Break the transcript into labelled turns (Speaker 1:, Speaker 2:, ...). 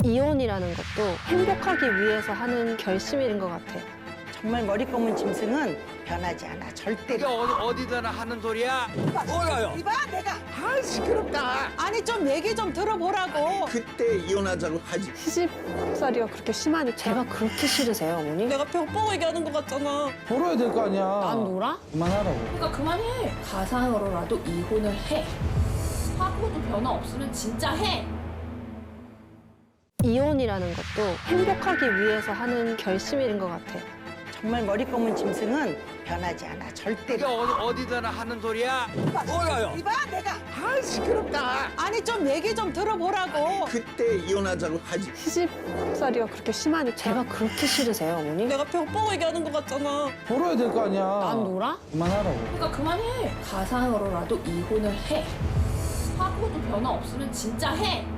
Speaker 1: 이혼이라는 것도 행복하기 위해서 하는 결심인 것 같아.
Speaker 2: 정말 머리 검은 짐승은 변하지 않아. 절대.
Speaker 3: 이게 어디다나 하는 소리야? 뭐가요?
Speaker 2: 이봐 내가.
Speaker 4: 아 시끄럽다.
Speaker 2: 아니 좀 얘기 좀 들어보라고.
Speaker 4: 그때 이혼하자고 하지.
Speaker 1: 시집살이가 그렇게 심하니 제가 그렇게 싫으세요, 어머니?
Speaker 2: 내가 벽 보고 얘기하는 것 같잖아.
Speaker 5: 벌어야 될 거 아니야.
Speaker 1: 난 놀아?
Speaker 5: 그만하라고.
Speaker 6: 그러니까 그만해. 가상으로라도 이혼을 해. 사고도 변화 없으면 진짜 해.
Speaker 1: 이혼이라는 것도 행복하기 위해서 하는 결심인 것 같아.
Speaker 2: 정말 머리 검은 짐승은 변하지 않아. 절대.
Speaker 3: 이게 어디다나 하는 소리야? 뭐가요?
Speaker 2: 이봐 내가.
Speaker 4: 아 시끄럽다.
Speaker 2: 아니 좀 얘기 좀 들어보라고.
Speaker 4: 그때 이혼하자고 하지.
Speaker 1: 시집살이가 그렇게 심하니 제가 그렇게 싫으세요, 어머니?
Speaker 2: 내가 벽 보고 얘기하는 것 같잖아.
Speaker 5: 벌어야 될 거 아니야.
Speaker 1: 난 놀아?
Speaker 5: 그만하라고.
Speaker 6: 그러니까 그만해. 가상으로라도 이혼을 해. 사고도 변화 없으면 진짜 해.